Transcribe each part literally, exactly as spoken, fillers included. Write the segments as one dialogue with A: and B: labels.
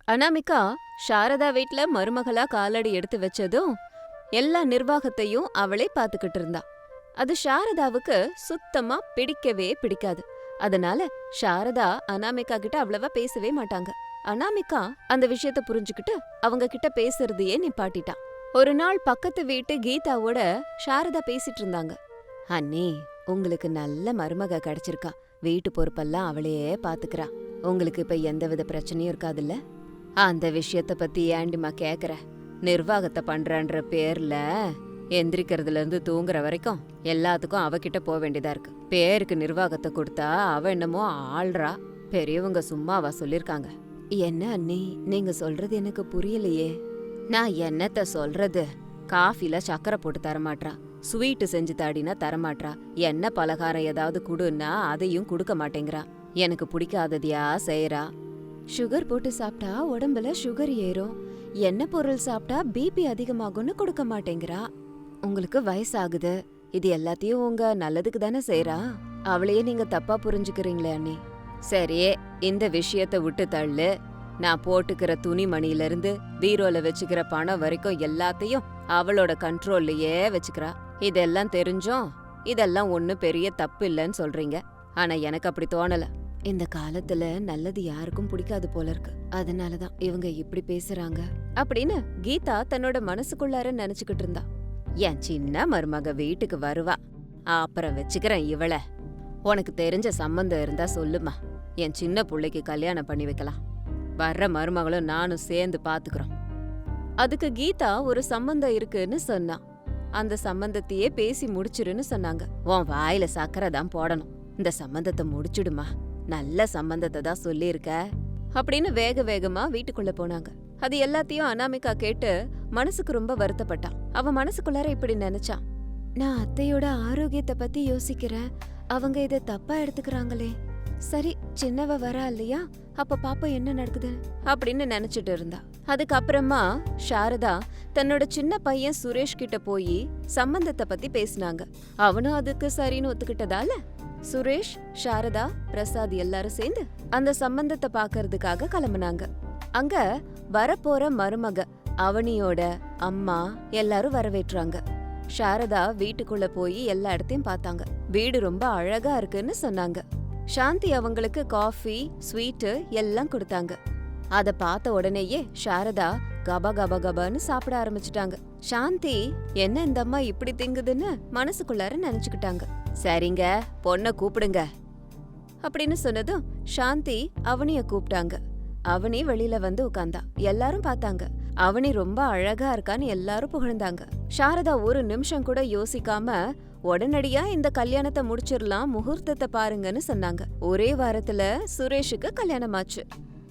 A: அனாமிகா சாரதா வீட்ல மருமகளா காலடி எடுத்து வச்சதும் எல்லா நிர்வாகத்தையும் அவளே பாத்துக்கிட்டு இருந்தா. அது சாரதாவுக்கு சுத்தமா பிடிக்கவே பிடிக்காது. அதனால சாரதா அனாமிகா கிட்ட அவ்வளவா பேசவே மாட்டாங்க. அனாமிகா அந்த விஷயத்த புரிஞ்சுக்கிட்டு அவங்க கிட்ட பேசுறதையே நிப்பாட்டிட்டா. ஒரு நாள் பக்கத்து வீட்டு கீதாவோட சாரதா பேசிட்டு இருந்தாங்க. அண்ணே, உங்களுக்கு நல்ல மருமக கிடைச்சிருக்கா. வீட்டு பொறுப்பெல்லாம் அவளையே பாத்துக்கிறா. உங்களுக்கு இப்ப எந்தவித பிரச்சனையும் இருக்காதுல்ல? அந்த விஷயத்த பத்தி ஏண்டிமா கேக்குற? நிர்வாகத்தை பண்றன்ற பேர்ல எந்திரிக்கிறதுல இருந்து தூங்குற வரைக்கும் எல்லாத்துக்கும் அவகிட்ட போக வேண்டியதா இருக்கு. பேருக்கு நிர்வாகத்தை கொடுத்தா அவ என்னமோ ஆள்றா. பெரியவங்க சும்மாவா சொல்லிருக்காங்க? என்ன அண்ணி, நீங்க சொல்றது எனக்கு புரியலையே. நான் என்னத்த சொல்றது? காஃபில சக்கரை போட்டு தரமாட்றா, ஸ்வீட்டு செஞ்சு தாடினா தரமாட்றா, எண்ணெய் பலகாரம் ஏதாவது குடுன்னா அதையும் கொடுக்க மாட்டேங்கிறா. எனக்கு பிடிக்காததையா செய்யறா. சுகர் போட்டு சாப்பிட்டா உடம்புல சுகர் ஏறும், எண்ணெய் பொருள் சாப்பிட்டா பிபி அதிகமாகும்னு கொடுக்க மாட்டேங்கிறா. உங்களுக்கு வயசாகுது, இது எல்லாத்தையும் உங்க நல்லதுக்கு தானே செய்யறா. அவளையே நீங்க தப்பா புரிஞ்சுக்கிறீங்களே அண்ணி. சரியே, இந்த விஷயத்த விட்டு தள்ளு. நான் போட்டுக்கிற துணிமணில இருந்து பீரோல வச்சுக்கிற பணம் வரைக்கும் எல்லாத்தையும் அவளோட கண்ட்ரோல்லயே வச்சுக்கிறா. இதெல்லாம் தெரிஞ்சும் இதெல்லாம் ஒண்ணு பெரிய தப்பு இல்லைன்னு சொல்றீங்க. ஆனா எனக்கு அப்படி தோணல. இந்த காலத்துல நல்லது யாருக்கும் பிடிக்காது போல இருக்கு. அதனாலதான் இவங்க இப்படி பேசுறாங்க அப்படின்னு கீதா தன்னோட மனசுக்குள்ளார நினைச்சுக்கிட்டு இருந்தா. என் சின்ன மருமக வீட்டுக்கு வருவா, அப்புறம் வச்சுக்கிறேன் இவள. உனக்கு தெரிஞ்ச சம்பந்தம் இருந்தா சொல்லுமா, என் சின்ன புள்ளைக்கு கல்யாணம் பண்ணி வைக்கலாம். வர்ற மருமகளும் நானும் சேர்ந்து பாத்துக்கிறோம். அதுக்கு கீதா ஒரு சம்பந்தம் இருக்குன்னு சொன்னா. அந்த சம்பந்தத்தையே பேசி முடிச்சிருன்னு சொன்னாங்க. உன் வாயில சக்கரை தான் போடணும். இந்த சம்பந்தத்தை முடிச்சுடுமா, நல்ல சம்பந்தத்தை தான் சொல்லியிருக்க அப்படின்னு வேக வேகமா வீட்டுக்குள்ள போனாங்க. அது எல்லாத்தையும் அனாமிகா கேட்டு மனசுக்கு ரொம்ப வருத்தப்பட்டான். அவ மனசுக்குள்ளார இப்படி நினைச்சா, நான் அத்தையோட ஆரோக்கியத்தை பத்தி யோசிக்கிறேன், அவங்க இத தப்பா எடுத்துக்கிறாங்களே. சரி, சின்னவ வரா இல்லையா, அப்ப பாப்பா என்ன நடக்குது அப்படின்னு நினைச்சிட்டு இருந்தா. அதுக்கப்புறமா சாரதா தன்னோட சின்ன பையன் சுரேஷ் கிட்ட போய் சம்பந்தத்தை பத்தி பேசினாங்க. அவனும் அதுக்கு சரின்னு ஒத்துக்கிட்டதால சுரேஷ், சாரதா, பிரசாத் எல்லாரும் சேர்ந்து அந்த சம்பந்தத்தை பாக்கறதுக்காக கிளம்புனாங்க. அங்க வரப்போற மருமக அவனியோட அம்மா எல்லாரும் வரவேற்றாங்க. சாரதா வீட்டுக்குள்ள போய் எல்லா இடத்தையும் பார்த்தாங்க. வீடு ரொம்ப அழகா இருக்குன்னு சொன்னாங்க. சாந்தி அவங்களுக்கு காஃபி, ஸ்வீட்டு எல்லாம் கொடுத்தாங்க. அத பார்த்த உடனேயே சாரதா கபா கபா கபான்னு சாப்பிட ஆரம்பிச்சுட்டாங்க. சாந்தி என்ன இந்த அம்மா இப்படி திங்குதுன்னு மனசுக்குள்ளார நினைச்சுக்கிட்டாங்க. சரிங்க, பொண்ண கூப்பிடுங்க அப்படின்னு சொன்னதும் சாந்தி அவனிய கூப்பிட்டாங்க. அவனி வெளியில வந்து உட்கார்ந்தா. எல்லாரும் பார்த்தாங்க. அவனி ரொம்ப அழகா இருக்கான்னு எல்லாரும் புகழ்ந்தாங்க. சாரதா ஒரு நிமிஷம் கூட யோசிக்காம உடனடியா இந்த கல்யாணத்தை முடிச்சிடலாம், முகூர்த்தத்தை பாருங்கன்னு சொன்னாங்க. ஒரே வாரத்துல சுரேஷுக்கு கல்யாணம் ஆச்சு.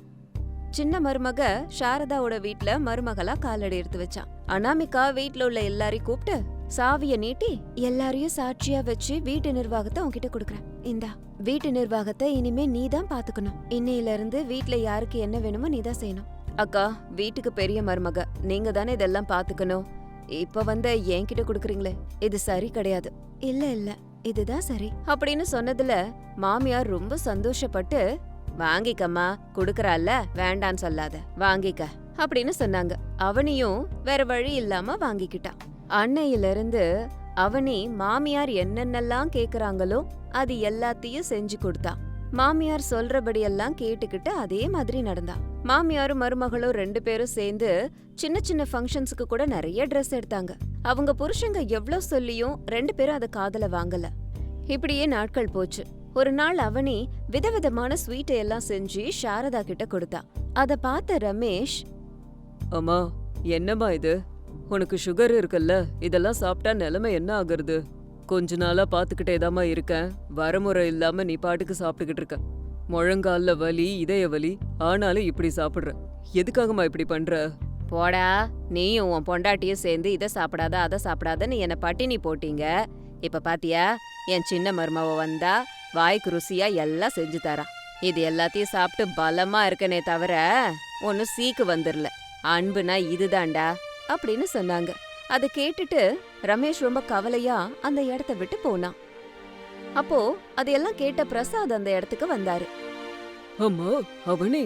A: சின்ன மருமக சாரதாவோட வீட்ல மருமகளா காலடி எடுத்து வச்சான். அனாமிகா வீட்ல உள்ள எல்லாரையும் கூப்பிட்டு சாவிய நீட்டி எல்லாரையும் சாட்சியா வச்சு வீட்டு நிர்வாகத்தை உன்கிட்ட கொடுக்கறேன். இந்தா, வீட்டு நிர்வாகத்தை இனிமே நீ தான் பாத்துக்கணும். இன்னையில இருந்து வீட்ல யாருக்கு என்ன வேணுமோ நீ தான் செய்யணும். அக்கா, வீட்டுக்கு பெரிய மருமக, நீங்க தானே இதெல்லாம் பாத்துக்கணும். இப்ப வந்த என்கிட்ட குடுக்கறீங்களே, இது சரி கிடையாது. இல்ல இல்ல, இதுதான் சரி அப்படின்னு சொன்னதுல மாமியார் ரொம்ப சந்தோஷப்பட்டு, வாங்கிக்கம்மா, குடுக்கறால, வேண்டான்னு சொல்லாத, வாங்கிக்க அப்படின்னு சொன்னாங்க. அவனியும் வேற வழி இல்லாம வாங்கிக்கிட்டான். அன்னையில இருந்து அவனி மாமியார் என்னென்னலாம் கேக்குறாங்களோ அது எல்லாத்தையும் செஞ்சு கொடுத்தா. மாமியார் சொல்றபடியெல்லாம் கேட்டுக்கிட்டு அதே மாதிரி நடந்தா. மாமியாரும் மருமகளும் ரெண்டு பேரும் சேர்ந்து சின்ன சின்ன ஃபங்க்ஷன்ஸுக்கு கூட நிறைய ட்ரெஸ் எடுத்தாங்க. அவங்க புருஷங்க எவ்வளவு சொல்லியும் ரெண்டு பேரும் அத காதுல வாங்கல. இப்படியே நாட்கள் போச்சு. ஒரு நாள் அவனி விதவிதமான ஸ்வீட்டை எல்லாம் செஞ்சு சாரதா கிட்ட கொடுத்தா. அத பார்த்த ரமேஷ்,
B: அம்மா, என்னம்மா இது? உனக்கு சுகர் இருக்குல்ல, இதெல்லாம் சாப்பிட்டா நிலைமை என்ன ஆகுறது? கொஞ்ச நாளா பாத்துக்கிட்டேதாம்மா இருக்கேன். வரமுறை இல்லாம நீ பாட்டுக்கு சாப்பிட்டுக்கிட்டு இருக்க. முழங்கால்ல வலி, இதய வலி, ஆனாலும் இப்படி சாப்பிடுற. எதுக்காகமா இப்படி பண்ற?
A: போடா, நீயும் உன் பொண்டாட்டியும் சேர்ந்து இதை சாப்பிடாத அதை சாப்பிடாதன்னு என்ன பட்டினி போட்டீங்க. இப்ப பாத்தியா, என் சின்ன மருமவ வந்தா வாய்க்கு ருசியா எல்லாம் செஞ்சு தரா. இது எல்லாத்தையும் சாப்பிட்டு பலமா இருக்கனே தவிர ஒன்னும் சீக்கு வந்துடல. அன்புனா இதுதான்டா அப்படின்னு சொன்னாங்க. அதை கேட்டுட்டு ரமேஷ் ரொம்ப கவலையா அந்த இடத்த விட்டு போனான். அப்போ அதையெல்லாம் கேட்ட பிரசாத் அந்த இடத்துக்கு வந்தாரு.
B: அம்மா, அவனே,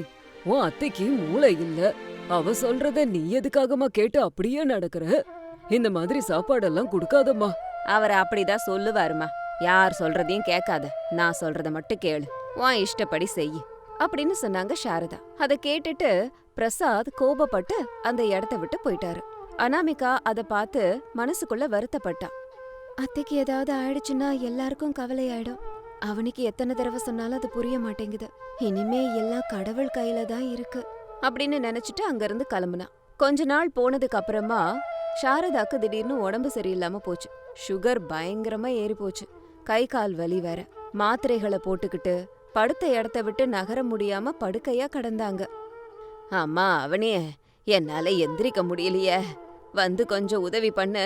B: உன் அத்தைக்கு மூளை இல்ல. அவ சொல்றத நீ எதுக்காகமா கேட்டு அப்படியே நடக்கற? இந்த மாதிரி சாப்பாடெல்லாம் குடுக்காதம்மா.
A: அவர் அப்படிதான் சொல்லுவாருமா. யார் சொல்றதையும் கேட்காத, நான் சொல்றத மட்டும் கேளு, உன் இஷ்டப்படி செய் அப்படின்னு சொன்னாங்க சாரதா. அத கேட்டுட்டு பிரசாத் கோபப்பட்டு அந்த இடத்த விட்டு போயிட்டாரு. அனாமிகா அத பார்த்து மனசுக்குள்ள வருத்தப்பட்டா. அத்தைக்கு ஏதாவது ஆயிடுச்சுன்னா எல்லாருக்கும் கவலை ஆயிடும். அவனுக்கு எத்தனை தடவை சொன்னாலும் அது புரிய மாட்டேங்குது. இனிமே எல்லாம் கடவுள் கையில தான் இருக்கு அப்படின்னு நினைச்சிட்டு அங்கிருந்து கிளம்புனா. கொஞ்ச நாள் போனதுக்கு அப்புறமா சாரதாக்கு திடீர்னு உடம்பு சரியில்லாம போச்சு. சுகர் பயங்கரமா ஏறி போச்சு. கை கால் வலி வேற. மாத்திரைகளை போட்டுக்கிட்டு படுத்த இடத்த விட்டு நகர முடியாம படுக்கையா கிடந்தாங்க. அம்மா அவனே, என்னால எந்திரிக்க முடியலையே, வந்து கொஞ்சம் உதவி பண்ணு.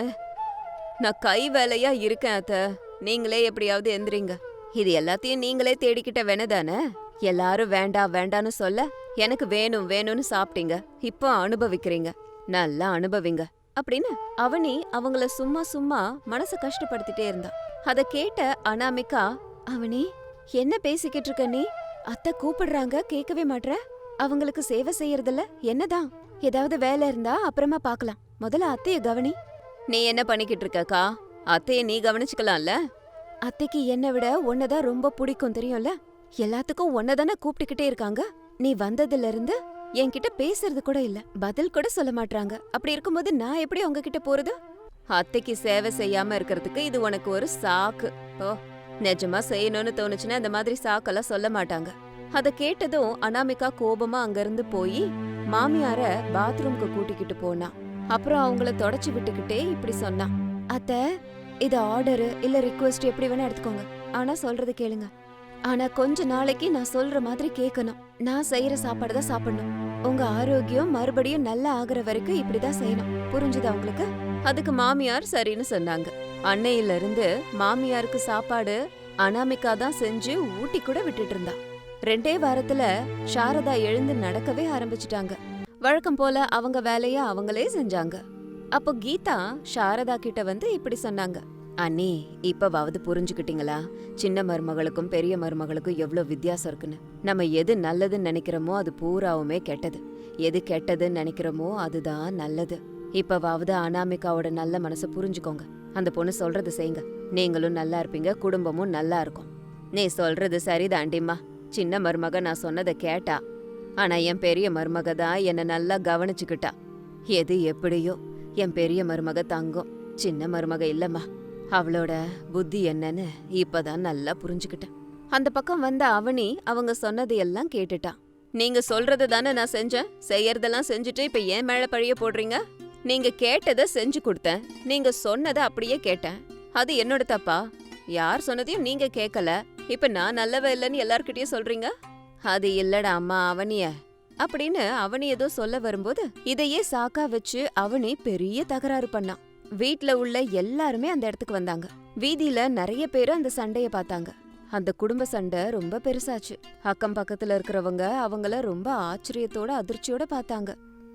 A: நான் கை வேலையா இருக்கேன் அத்த, நீங்களே எப்படியாவது எந்திரிங்க. இது எல்லாத்தையும் நீங்களே தேடிக்கிட்ட வேணதானே? எல்லாரும் வேண்டாம் வேண்டான்னு சொல்ல எனக்கு வேணும் வேணும்னு சாப்பிட்டீங்க. இப்போ அனுபவிக்கிறீங்க, நல்லா அனுபவிங்க அப்படின்னு அவனி அவங்கள சும்மா சும்மா மனச கஷ்டப்படுத்திட்டே இருந்தா. அத கேட்ட அனாமிகா, அவனி என்ன பேசிக்கிட்டு இருக்க நீ? அத்தை கூப்பிடுறாங்க, கேட்கவே மாட்ற. அவங்களுக்கு சேவை செய்யறதுல என்னதான்? ஏதாவது வேலை இருந்தா அப்புறமா பாக்கலாம், முதல்ல அத்தைய கவனி. நீ என்ன பண்ணிக்கிட்டு இருக்கக்கா? அத்தைய நீ கவனிச்சுக்கலாம்ல. அத்தைக்கு என்னை விட உன்னதான் ரொம்ப பிடிக்கும் தெரியும்ல. எல்லாத்துக்கும் உன்னதானே கூப்பிட்டுக்கிட்டே இருக்காங்க. நீ வந்ததுல இருந்து என்கிட்ட பேசுறது கூட இல்ல, பதில் கூட சொல்ல மாட்டாங்க. அப்படி இருக்கும்போது நான் எப்படி உங்ககிட்ட போறது? அத்தைக்கு சேவை செய்யாம இருக்கிறதுக்கு இது உனக்கு ஒரு சாக்கு. ஓ, நிஜமா செய்யணும்னு தோணுச்சுன்னா இந்த மாதிரி சாக்கெல்லாம் சொல்ல மாட்டாங்க. அத கேட்டதும் அனாமிகா கோபமா அங்கிருந்து போய் மாமியார பாத்ரூம்க்கு கூட்டிக்கிட்டு போனா. அப்புறம் அவங்கள தொடச்சு விட்டுக்கிட்டே இப்படி சொன்னா, அத்த இது ஆர்டரு இல்ல ரிக்வெஸ்ட் எப்படி வேணா எடுத்துக்கோங்க, ஆனா சொல்றது கேளுங்க. ஆனா கொஞ்ச நாளைக்கு நான் சொல்ற மாதிரி கேட்கணும். நான் செய்யற சாப்பாடு தான் சாப்பிடணும். உங்க ஆரோக்கியம் மறுபடியும் நல்லா ஆகுற வரைக்கும் இப்படிதான் செய்யணும், புரிஞ்சுதா உங்களுக்கு? அதுக்கு மாமியார் சரின்னு சொன்னாங்க. அன்னையில இருந்து மாமியாருக்கு சாப்பாடு அனாமிகா தான் செஞ்சு ஊட்டி கூட விட்டுட்டு இருந்தா. ரெண்டே வாரத்துல சாரதா எழுந்து நடக்கவே ஆரம்பிச்சுட்டாங்க. வழக்கம் போல அவங்க வேலைய அவங்களே செஞ்சாங்க. அப்போ கீதா சாரதா கிட்ட வந்து இப்படி சொன்னாங்க, அண்ணி இப்பவாவது புரிஞ்சுக்கிட்டீங்களா? சின்ன மருமகளுக்கும் பெரிய மருமகளுக்கும் எவ்வளவு வித்தியாசம் இருக்குன்னு. நம்ம எது நல்லதுன்னு நினைக்கிறோமோ அது பூராவுமே கெட்டது, எது கெட்டதுன்னு நினைக்கிறோமோ அதுதான் நல்லது. இப்பவாவது அனாமிகாவோட நல்ல மனசை புரிஞ்சுக்கோங்க. அந்த பொண்ணு சொல்றது செய்யுங்க, நீங்களும் நல்லா இருப்பீங்க, குடும்பமும் நல்லா இருக்கும். நீ சொல்றது சரிதாண்டிம்மா. சின்ன மருமக நான் சொன்னதை கேட்டா, ஆனா என் பெரிய மருமக தான் என்ன நல்லா கவனிச்சுக்கிட்டா. எது எப்படியோ என் பெரிய மருமக தங்கம், சின்ன மருமக இல்லம்மா. அவளோட புத்தி என்னன்னு இப்பதான் நல்லா புரிஞ்சுக்கிட்டேன். அந்த பக்கம் வந்த அவனி அவங்க சொன்னதையெல்லாம் கேட்டுட்டா. நீங்க சொல்றது தானே நான் செஞ்சேன், செய்யறதெல்லாம் செஞ்சுட்டு இப்ப ஏன் மேல பழிய போடுறீங்க? நீங்க கேட்டதை செஞ்சு கொடுத்தேன், நீங்க சொன்னதை அப்படியே கேட்டேன். அது என்னோட தப்பா? யார் சொன்னதையும் நீங்க கேட்கல, இப்ப நான் நல்லவ இல்லைன்னு எல்லார்கிட்டயும் சொல்றீங்க. அது இல்லடா அம்மா அவனிய அப்படின்னு அவனி ஏதோ சொல்ல வரும்போது இதையே சாக்கா வச்சு அவனி பெரிய தகராறு பண்ணான். வீட்ல உள்ள எல்லாருமே அந்த இடத்துக்கு வந்தாங்க. வீதியில நிறைய பேரு அந்த சண்டைய பார்த்தாங்க. அந்த குடும்ப சண்டை ரொம்ப பெருசாச்சு. அக்கம் பக்கத்துல இருக்கிறவங்க அவங்கள ரொம்ப ஆச்சரியத்தோட அதிர்ச்சியோட பார்த்தாங்க.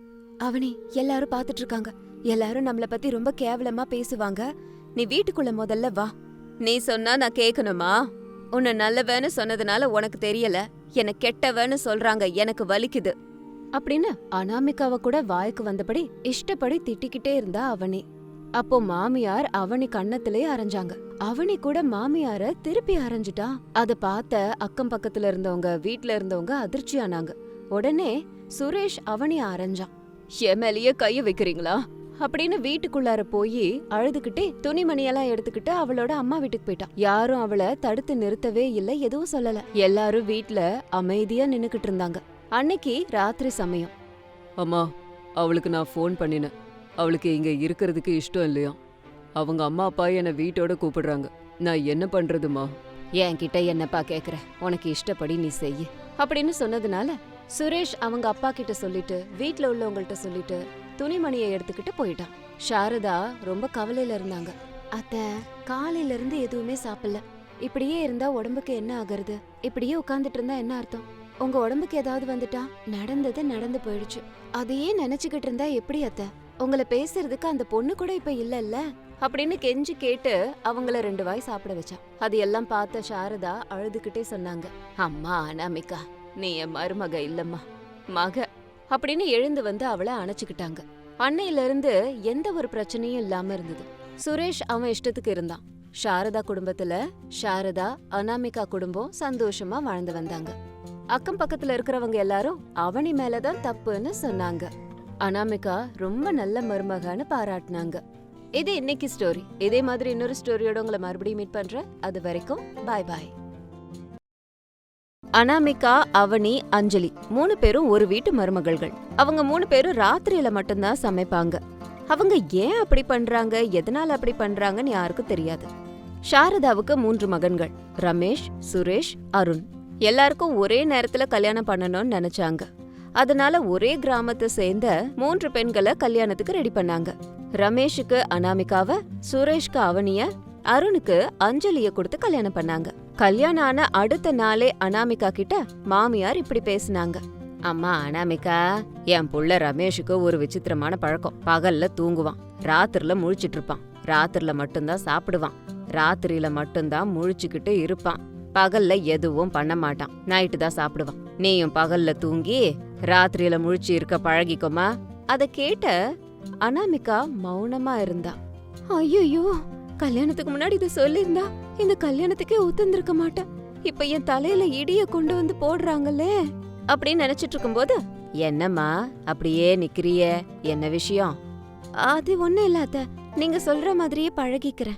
A: அவனி எல்லாரும் பாத்துட்டு இருக்காங்க, எல்லாரும் நம்மள பத்தி ரொம்ப கேவலமா பேசுவாங்க, நீ வீட்டுக்குள்ள முதல்ல வா. நீ சொன்னா நான் கேட்கணுமா? உன்னை நல்லவன்னு சொன்னதுனால உனக்கு தெரியல, என்ன கெட்டவன்னு சொல்றாங்க, எனக்கு வலிக்குது அப்படின்னு அனாமிகாவ கூட வாய்க்கு வந்தபடி இஷ்டப்படி திட்டிக்கிட்டே இருந்தா அவனி. அப்போ மாமியார் அவனி கண்ணத்திலே அரைஞ்சாங்க. அவனி கூட மாமியார திருப்பி அரைஞ்சிட்டா. அத பார்த்த அக்கம் பக்கத்துல இருந்தவங்க வீட்ல இருந்தவங்க அதிர்ச்சி ஆனாங்க. உடனே சுரேஷ் அவனி அரைஞ்சான். என் மேலேயே கைய வைக்கிறீங்களா அப்படின்னு வீட்டுக்குள்ளார போய் அழுதுகிட்டே துணிமணியெல்லாம் எடுத்துக்கிட்டு அவளோட அம்மா வீட்டுக்கு போயிட்டா. யாரும் அவளை தடுத்து நிறுத்தவே இல்ல, எதுவும் சொல்லல. எல்லாரும் வீட்ல அமைதியா நின்னுக்கிட்டு இருந்தாங்க. அன்னைக்கு ராத்திரி சமயம்.
B: அம்மா, அவளுக்கு நான் ஃபோன் பண்ணினேன். அவளுக்கு இங்க இருக்கிறதுக்கு இஷ்டம் இல்லையா? அவங்க அம்மா அப்பா என்னை வீட்டோட கூப்பிடுறாங்க. நான் என்ன பண்றதுமா?
A: என்கிட்ட என்னப்பா கேக்குற, உனக்கு இஷ்டப்படி நீ செய்ய அப்படின்னு சொன்னதுனால சுரேஷ் அவங்க அப்பா கிட்ட சொல்லிட்டு வீட்ல உள்ளவங்கள்ட்ட சொல்லிட்டு துணிமணியை எடுத்துக்கிட்டு போயிட்டான். சாரதா ரொம்ப கவலையில இருந்தாங்க. அத்த காலையில இருந்து எதுவுமே சாப்பிடல, இப்படியே இருந்தா உடம்புக்கு என்ன ஆகுறது? இப்படியே உட்கார்ந்துட்டு இருந்தா என்ன அர்த்தம்? உங்க உடம்புக்கு ஏதாவது வந்துட்டா? நடந்தது நடந்து போயிடுச்சு, அதையே நினைச்சுக்கிட்டு இருந்தா எப்படி அத்த? உங்களை பேசுறதுக்கு அந்த பொண்ணு கூட இப்ப இல்லல்ல அப்படின்னு கெஞ்சி கேட்டு அவங்கள ரெண்டு வாய் சாப்பிட வச்சா. அது எல்லாம் பார்த்த சாரதா அழுதுகிட்டே சொன்னாங்க, அம்மா அனாமிகா, நீ என் மருமக இல்லம்மா, மக அப்படின்னு எழுந்து வந்து அவளை அணைச்சுக்கிட்டாங்க. அன்னையில இருந்து எந்த ஒரு பிரச்சனையும் இல்லாம இருந்தது. சுரேஷ் அவன் இஷ்டத்துக்கு இருந்தான். சாரதா குடும்பத்துல சாரதா அனாமிகா குடும்பம் சந்தோஷமா வாழ்ந்து வந்தாங்க. அக்கம் பக்கத்துல இருக்கிறவங்க எல்லாரும் அவனி மேலதான் தப்புன்னு சொன்னாங்க. அனாமிகா ரொம்ப நல்ல மருமகான்னு பாராட்டினாங்க. இது இன்னைக்கு ஸ்டோரி. இதே மாதிரி இன்னொரு ஸ்டோரியோட உங்களை மறுபடியும் மீட் பண்றேன். அது வரைக்கும் பாய் பாய். அனாமிகா, அவனி, அஞ்சலி மூணு பேரும் ஒரு வீட்டு மருமகள்கள். அவங்க மூணு பேரும் ராத்திரியில மட்டும்தான் சமைப்பாங்க. அவங்க ஏன் அப்படி பண்றாங்க, எதனால அப்படி பண்றாங்கன்னு யாருக்கும் தெரியாது. சாரதாவுக்கு மூன்று மகன்கள், ரமேஷ், சுரேஷ், அருண். எல்லாருக்கும் ஒரே நேரத்துல கல்யாணம் பண்ணணும்னு நினைச்சாங்க. அதனால ஒரே கிராமத்தை சேர்ந்த மூன்று பெண்களை கல்யாணத்துக்கு ரெடி பண்ணாங்க. ரமேஷுக்கு அனாமிகாவ, சுரேஷ்க்கு அவனிய, அருணுக்கு அஞ்சலிய கொடுத்து கல்யாணம் பண்ணாங்க. கல்யாணம் ஆன அடுத்த நாளே அனாமிகா கிட்ட மாமியார் இப்படி பேசினாங்க. அம்மா அனாமிகா, என் புள்ள ரமேஷுக்கு ஒரு விசித்திரமான பழக்கம். பகல்ல தூங்குவான், ராத்திரில முழிச்சிட்டு இருப்பான். ராத்திரில மட்டும்தான் சாப்பிடுவான், ராத்திரியில மட்டும்தான் முழிச்சுக்கிட்டு இருப்பான். பகல்ல எதுவும் பண்ண மாட்டான், நைட்டு தான் சாப்பிடுவான். நீயும் பகல்ல தூங்கி ராத்திரியில முழிச்சு இருக்க பழகிக்கோமா. அத கேட்ட அனாமிகா மௌனமா இருந்தா. ஐயோ, கல்யாணத்துக்கு முன்னாடி இத சொல்லிருந்தா இந்த கல்யாணத்துக்கே ஒத்துந்திருக்க மாட்டேன். இப்ப என் தலையில இடிய கொண்டு வந்து போடுறாங்களே அப்படின்னு நினைச்சிட்டு இருக்கும்போது, என்னம்மா அப்படியே நிக்கிறிய, என்ன விஷயம்? அது ஒண்ணு இல்லாத, நீங்க சொல்ற மாதிரியே பழகிக்கிறேன்.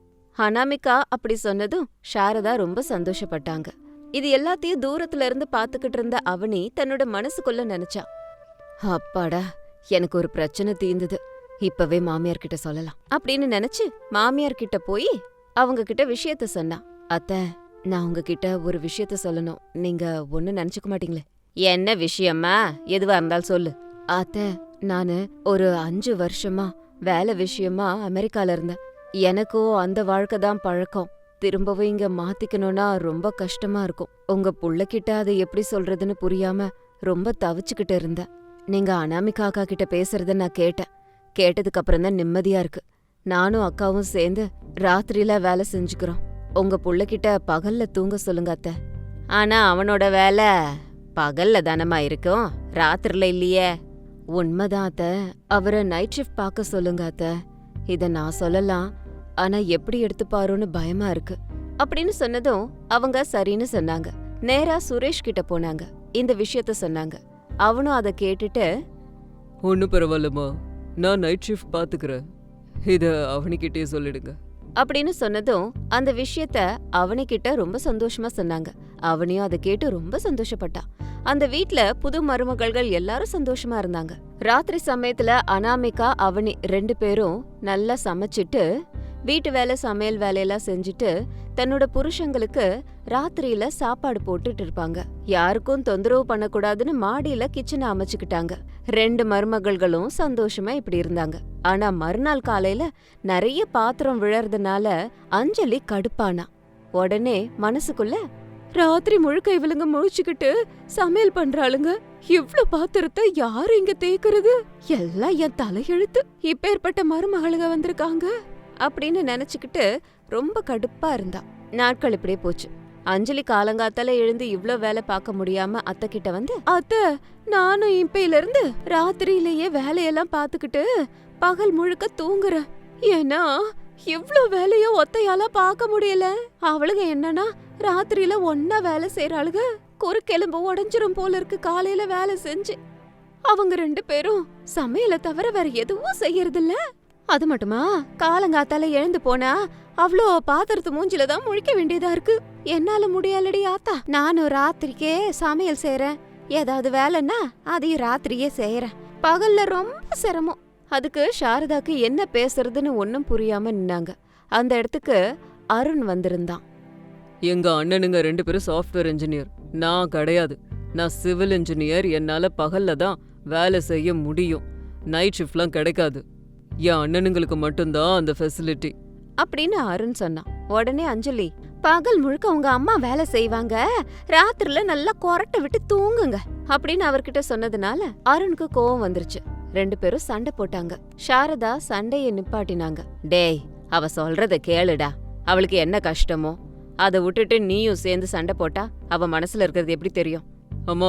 A: அனாமிகா அப்படி சொன்னதும் சாரதா ரொம்ப சந்தோஷப்பட்டாங்க. இது எல்லாத்தையும் தூரத்துல இருந்து பாத்துக்கிட்டு இருந்த அவனி தன்னோட மனசுக்குள்ள நினைச்சா, அப்பாடா, எனக்கு ஒரு பிரச்சனை தீர்ந்தது. இப்பவே மாமியார் கிட்ட சொல்லலாம் அப்படின்னு நினைச்சு மாமியார் கிட்ட போய் அவங்க கிட்ட விஷயத்த சொன்னா. அத்தை, நான் உங்ககிட்ட ஒரு விஷயத்த சொல்லணும். நீங்க ஒண்ணு நினைச்சுக்க மாட்டீங்களே? என்ன விஷயமா? எதுவா இருந்தாலும் சொல்லு. அத்தை, நானு ஒரு அஞ்சு வருஷமா வேலை விஷயமா அமெரிக்கால இருந்தேன். எனக்கும் அந்த வாழ்க்கை தான் பழக்கம். திரும்பவும் இங்க மாத்திக்கணும்னா ரொம்ப கஷ்டமா இருக்கும். உங்க புள்ளகிட்ட அதை எப்படி சொல்றதுன்னு புரியாம ரொம்ப தவிச்சுக்கிட்டு இருந்தேன். நீங்க அனாமிகா அக்கா கிட்ட பேசுறத நான் கேட்டேன். கேட்டதுக்கு அப்புறம் தான் நிம்மதியா இருக்கு. நானும் அக்காவும் சேர்ந்து ராத்திரியில வேலை செஞ்சுக்கிறோம். உங்க புள்ளகிட்ட பகல்ல தூங்க சொல்லுங்க அத்தை. ஆனா அவனோட வேலை பகல்ல தானமா இருக்கும், ராத்திரில இல்லையே. உண்மைதான் அத்தை, அவரை நைட் ஷிஃப்ட் பார்க்க சொல்லுங்க அத்தை. இத நான் சொல்லலாம், ஆனா எப்படி எடுத்துப்பாரோன்னு பயமா இருக்கு அப்படின்னு சொன்னதும் அவங்க சரின்னு சொன்னாங்க. நேரா சுரேஷ் கிட்ட போனாங்க, இந்த விஷயத்த சொன்னாங்க. அவனும் அதை கேட்டுட்டு,
B: ஒன்னும் பரவாயில்லம்மா, நான் நைட் ஷிஃப்ட் பாத்துக்கிறேன், இத அவனிக்கிட்டே சொல்லிடுங்க
A: அப்படின்னு சொன்னதும் அந்த விஷயத்த அவனிக்கிட்ட ரொம்ப சந்தோஷமா சொன்னாங்க. அவனையும் அதை கேட்டு ரொம்ப சந்தோஷப்பட்டா. அந்த வீட்ல புது மருமகள்கள் எல்லாரும் சந்தோஷமா இருந்தாங்க. ராத்திரி சமயத்துல அனாமிகா, அவனி ரெண்டு பேரும் நல்லா சமைச்சிட்டு வீட்டு வேலை சமையல் வேலையெல்லாம் செஞ்சுட்டு தன்னோட புருஷங்களுக்கு ராத்திரியில சாப்பாடு போட்டுட்டு இருப்பாங்க. யாருக்கும் தொந்தரவு பண்ணக்கூடாதுன்னு மாடியில கிச்சனை அமைச்சுக்கிட்டாங்க. ரெண்டு மருமகள்களும் சந்தோஷமா இப்படி இருந்தாங்க. ஆனா மறுநாள் காலையில நிறைய பாத்திரம் விழறதுனால அஞ்சலி கடுப்பானா. உடனே மனசுக்குள்ள, ராத்திரி முழுக்க இவளுங்க முழிச்சுக்கிட்டு சமையல் பண்றாளுங்க, இவ்ளோ பாத்திரத்தை யாரு இங்க தேய்க்கிறது? எல்லாம் என் தலையெழுத்து. இப்பேற்பட்ட மருமகளுங்க வந்திருக்காங்க அப்படின்னு நினைச்சுக்கிட்டு ரொம்ப கடுப்பா இருந்தா. நாட்கள் இப்படியே போச்சு. அஞ்சலி காலங்காத்தால எழுந்து இவ்ளோ வேலை பார்க்க முடியாம அத்தை கிட்ட வந்து, அத்தை, நானும் இப்பையில இருந்து ராத்திரியிலேயே வேலையெல்லாம் பாத்துக்கிட்டு பகல் முழுக்க தூங்குறேன். ஏன்னா இவ்ளோ வேலையோ ஒத்தையால பார்க்க முடியல. அவளுங்க என்னன்னா ராத்திரியில ஒன்னா வேலை செய்யறாளுங்க. குறுக்கெலும்பு உடஞ்சிரும் போல இருக்கு காலையில வேலை செஞ்சு. அவங்க ரெண்டு பேரும் சமையலை தவிர வேற எதுவும் செய்யறதில்ல. அது மட்டுமா, காலங்காத்தால எழுந்து போனா அவ்ளோ பாத்திரத்து மூஞ்சில தான் முழிக்க வேண்டியதா இருக்கு. என்னால முடியலடி ஆத்தா. நானும் ராத்திரிக்கே சமையல் செய்யறேன். ஏதாவது வேலைன்னா அதையும் ராத்திரியே செய்யறேன். பகல்ல ரொம்ப சிரமம். அதுக்கு சாரதாக்கு என்ன பேசுறதுன்னு ஒன்னும் புரியாம நின்னாங்க. அந்த இடத்துக்கு அருண் வந்திருந்தான்.
B: எங்க அண்ணனுங்க ரெண்டு பேரும் சாஃப்ட்வேர் இன்ஜினியர், நான் கிடையாது. நான் சிவில் இன்ஜினியர். என்னால பகல்ல தான் வேலை செய்ய முடியும், நைட் ஷிஃப்ட்லாம் கிடைக்காது. என் அண்ணனுங்களுக்கு மட்டும்தான் அந்த ஃபெசிலிட்டி
A: அப்படின்னு அருண் சொன்னான். உடனே அஞ்சலி, பகல் முழுக்க உங்க அம்மா வேலை செய்வாங்க, ராத்திரில நல்லா கொரட்டை விட்டு தூங்குங்க அப்படின்னு அவர்கிட்ட சொன்னதுனால அருணுக்கு கோவம் வந்துருச்சு. ரெண்டு பேரும் சண்டை போட்டாங்க. சாரதா சண்டைய நிப்பாட்டினாங்க. டேய், அவ சொல்றத கேளுடா. அவளுக்கு என்ன கஷ்டமோ அதை விட்டுட்டு நீயும் சேர்ந்து சண்டை போட்டா அவ மனசுல இருக்கிறது எப்படி தெரியும்?
B: அம்மா,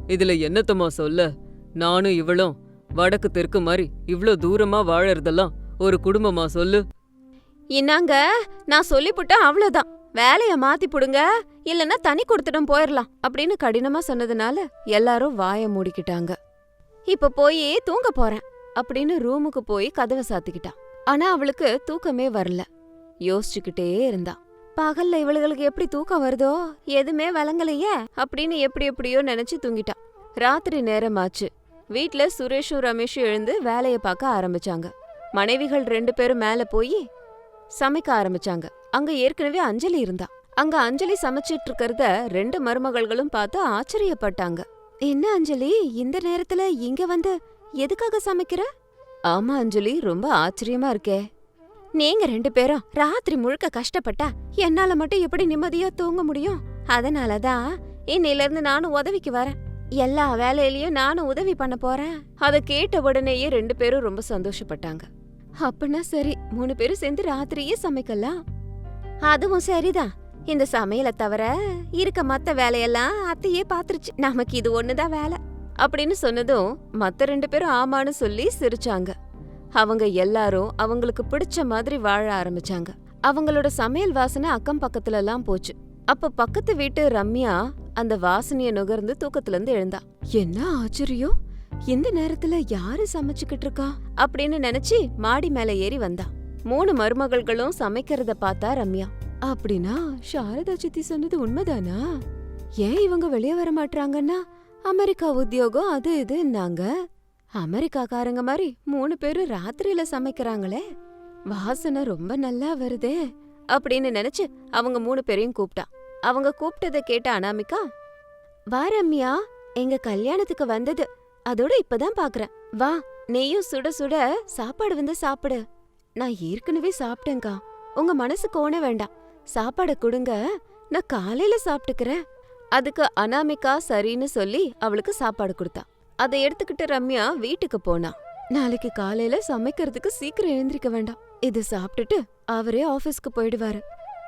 B: இதுல என்னத்தம்மா சொல்ல? நானும் இவளும் வடக்கு தெற்கு மாதிரி இவ்ளோ தூரமா வாழறதெல்லாம் ஒரு குடும்பமா சொல்லு?
A: இன்னாங்க, நான் சொல்லிப்புட்டேன் அவ்வளவுதான். வேலைய மாத்தி புடுங்க, இல்லன்னா தனி கொடுத்துட்டும் போயிரலாம் அப்படின்னு கடினமா சொன்னதுனால எல்லாரும் வாய மூடிக்கிட்டாங்க. இப்ப போய் தூங்க போறேன் அப்படின்னு ரூமுக்கு போய் கதவை சாத்திக்கிட்டான். ஆனா அவளுக்கு தூக்கமே வரல. யோசிச்சுக்கிட்டே இருந்தா. பகல்ல இவளுகளுக்கு எப்படி தூக்கம் வருதோ எதுவுமே விளங்கலையே அப்படின்னு எப்படி எப்படியோ நினைச்சு தூங்கிட்டான். ராத்திரி நேரமாச்சு. வீட்ல சுரேஷும் ரமேஷும் எழுந்து வேலைய பார்க்க ஆரம்பிச்சாங்க. மனைவிகள் ரெண்டு பேரும் மேல போய் சமைக்க ஆரம்பிச்சாங்க. அங்க ஏற்கனவே அஞ்சலி இருந்தா. அங்க அஞ்சலி சமைச்சிட்டு இருக்கறத ரெண்டு மருமகள்களும் பார்த்து ஆச்சரியப்பட்டாங்க. என்ன அஞ்சலி, இந்த நேரத்துல இங்க வந்து எதுக்காக சமைக்கிற? ஆமா அஞ்சலி, ரொம்ப ஆச்சரியமா இருக்கே. நீங்க ரெண்டு பேரும் ராத்திரி முழுக்க கஷ்டப்பட்டா என்னால மட்டும் எப்படி நிம்மதியா தூங்க முடியும்? அதனாலதான் இன்னையில இருந்து நானும் உதவிக்கு வரேன். எல்லா வேலையிலயும் நானும் உதவி பண்ண போறேன். அத கேட்ட உடனேயே ரெண்டு பேரும் ரொம்ப சந்தோஷப்பட்டாங்க. அப்படின்னா சரி, மூணு பேரும் சேர்ந்து ராத்திரியே சமைக்கலாம். அதுவும் சரிதான். இந்த சமையலை தவிர இருக்க மத்த வேலையெல்லாம் அத்தையே பாத்துருச்சு. நமக்கு இது ஒண்ணுதான் வேலை அப்படின்னு சொன்னதும் மத்த ரெண்டு பேரும் ஆமான்னு சொல்லி சிரிச்சாங்க. அவங்க எல்லாரும் அவங்களுக்கு பிடிச்ச மாதிரி வாழ ஆரம்பிச்சாங்க. அவங்களோட சமையல் வாசனை அக்கம் பக்கத்துல எல்லாம் போச்சு. அப்ப பக்கத்து வீட்டு ரம்யா அந்த வாசனைய நுகர்ந்து தூக்கத்துல இருந்து எழுந்தா. என்ன ஆச்சரியம், இந்த நேரத்துல யாரு சமைச்சுக்கிட்டு இருக்கா அப்படின்னு நினைச்சு மாடி மேல ஏறி வந்தா. மூணு மருமகள்களும் சமைக்கிறத பார்த்தா ரம்யா. அப்படின்னா சாரதா சித்தி சொன்னது உண்மைதானா? ஏன் இவங்க வெளியே வர மாட்டாங்கன்னா அமெரிக்கா உத்தியோகம் அது இதுன்னாங்க. அமெரிக்காக்காரங்க மாதிரி மூணு பேரும் ராத்திரியில சமைக்கிறாங்களே, வாசனை ரொம்ப நல்லா வருதே அப்படின்னு நினைச்சு அவங்க மூணு பேரையும் கூப்பிட்டா. அவங்க கூப்பிட்டத கேட்ட அனாமிகா, வா ரம்யா, எங்க கல்யாணத்துக்கு வந்தது அதோட இப்பதான் பாக்குறேன். வா, நெய்யும் சுட சுட சாப்பாடு வந்து சாப்பிடு. நான் ஏற்கனவே சாப்பிட்டேங்கா, உங்க மனசு கோண வேண்டாம். சாப்பாட கொடுங்க, நான் காலையில சாப்பிட்டுக்கிறேன். அதுக்கு அனாமிகா சரின்னு சொல்லி அவளுக்கு சாப்பாடு கொடுத்தா. அதை எடுத்துக்கிட்டு ரம்யா வீட்டுக்கு போனா. நாளைக்கு காலையில சமைக்கிறதுக்கு சீக்கிரம் எழுந்திருக்க வேண்டாம். இது சாப்பிட்டுட்டு அவரே ஆபீஸ்க்கு போயிடுவாரு.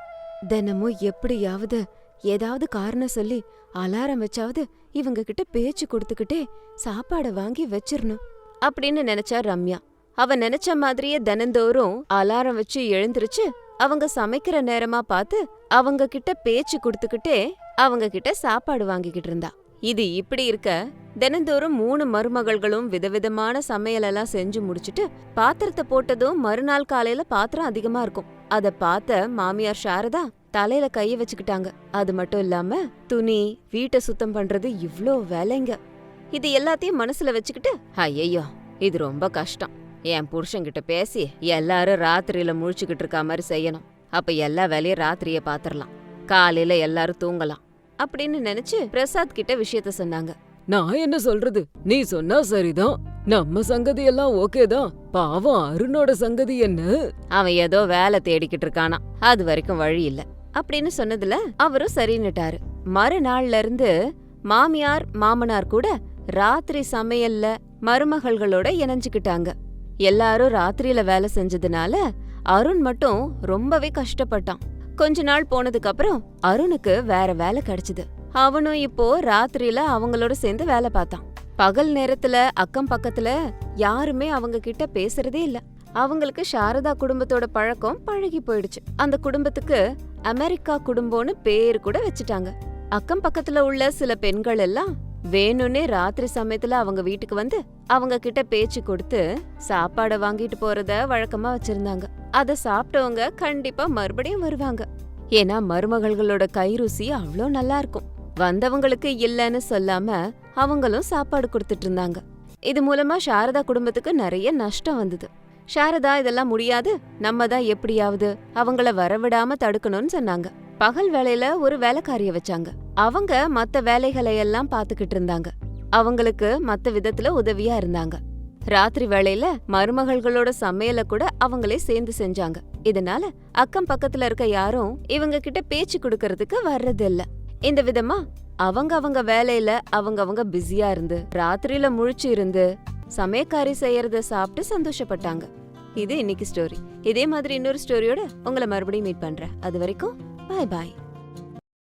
A: தினமும் எப்படியாவது ஏதாவது காரணம் சொல்லி அலாரம் வச்சாவது இவங்க கிட்ட பேச்சு கொடுத்துக்கிட்டே சாப்பாட வாங்கி வச்சிரணும் அப்படின்னு நினைச்சா ரம்யா. அவ நினைச்ச மாதிரியே தினந்தோறும் அலாரம் வச்சு எழுந்திருச்சு அவங்க சமைக்கிற நேரமா பார்த்து அவங்க கிட்ட பேச்சு கொடுத்துக்கிட்டே அவங்க கிட்ட சாப்பாடு வாங்கிக்கிட்டு இருந்தா. இது இப்படி இருக்க தினந்தோறும் மூணு மருமகள்களும் விதவிதமான சமையலெல்லாம் செஞ்சு முடிச்சுட்டு பாத்திரத்தை போட்டதும் மறுநாள் காலையில பாத்திரம் அதிகமா இருக்கும். அத பார்த்த மாமியார் சாரதா தலையில கைய வச்சுக்கிட்டாங்க. அது மட்டும் இல்லாம துணி, வீட்டை சுத்தம் பண்றது இவ்ளோ வேலைங்க. இது எல்லாத்தையும் மனசுல வச்சுக்கிட்டு, ஐயோ இது ரொம்ப கஷ்டம். என் புருஷன்கிட்ட பேசி எல்லாரும் ராத்திரியில முழிச்சுக்கிட்டு இருக்க மாதிரி செய்யணும். அப்ப எல்லா வேலையும் ராத்திரியே பாத்திரலாம், காலையில எல்லாரும் தூங்கலாம் அப்படின்னு நினைச்சு பிரசாத் கிட்ட விஷயத்த சொன்னாங்க.
B: நான் என்ன சொல்றது, நீ சொன்னா சரிதான். நம்ம சங்கதி எல்லாம் ஓகேதான். பாவம் அருணோட சங்கதி என்ன?
A: அவன் ஏதோ வேலை தேடிக்கிட்டு இருக்கானா, அது வரைக்கும் வழி இல்ல அப்படின்னு சொன்னதுல அவரும் சரின்னுட்டாரு. மறுநாள்ல இருந்து மாமியார் மாமனார் கூட ராத்திரி சமையல்ல மருமகள்களோட இணைஞ்சுக்கிட்டாங்க. எல்லாரும் ராத்திரியில வேலை செஞ்சதுனால அருண் மட்டும் ரொம்பவே கஷ்டப்பட்டான். கொஞ்ச நாள் போனதுக்கு அப்புறம் அருணுக்கு வேற வேலை கிடைச்சது. அவனும் இப்போ ராத்திரியில அவங்களோட சேர்ந்து வேலை பார்த்தான். பகல் நேரத்துல அக்கம் பக்கத்துல யாருமே அவங்க கிட்ட பேசுறதே இல்ல. அவங்களுக்கு சாரதா குடும்பத்தோட பழக்கம் பழகி போயிடுச்சு. அந்த குடும்பத்துக்கு அமெரிக்கா குடும்பம்னு பேரு கூட வச்சுட்டாங்க. அக்கம் பக்கத்துல உள்ள சில பெண்கள் எல்லாம் வேணும்னே ராத்திரி சமயத்துல அவங்க வீட்டுக்கு வந்து அவங்க கிட்ட பேச்சு கொடுத்து சாப்பாட வாங்கிட்டு போறத வழக்கமா வச்சிருந்தாங்க. அத சாப்பிட்டவங்க கண்டிப்பா மறுபடியும் வருவாங்க. ஏன்னா மருமகள்களோட கை ருசி அவ்ளோ நல்லா இருக்கும். வந்தவங்களுக்கு இல்லன்னு சொல்லாம அவங்களும் சாப்பாடு கொடுத்துட்டு இருந்தாங்க. இது மூலமா சாரதா குடும்பத்துக்கு நிறைய நஷ்டம் வந்தது. சாரதா இதெல்லாம் முடியாது, நம்ம தான் எப்படியாவது அவங்கள வரவிடாம தடுக்கணும்னு சொன்னாங்க. பகல் வேலையில ஒரு வேலைக்காரிய வச்சாங்க. அவங்க மத்த வேலைகளை எல்லாம் பாத்துக்கிட்டு இருந்தாங்க. அவங்களுக்கு மத்த விதத்துல உதவியா இருந்தாங்க. ராத்திரி வேளையில மருமகள்களோட சமையல கூட அவங்களே சேர்ந்து செஞ்சாங்க. இதனால அக்கம் பக்கத்துல இருக்க யாரும் இவங்க கிட்ட பேச்சு கொடுக்கறதுக்கு வர்றதில்ல. இந்த விதமா அவங்க அவங்க வேலையில அவங்க அவங்க பிஸியா இருந்து ராத்திரியில முழிச்சு இருந்து சமையக்காரி செய்யறத சாப்பிட்டு சந்தோஷப்பட்டாங்க. இது இன்னைக்கு ஸ்டோரி. இதே மாதிரி இன்னொரு ஸ்டோரியோட உங்களை மறுபடியும் மீட் பண்றேன். அது வரைக்கும் பாய் பாய்.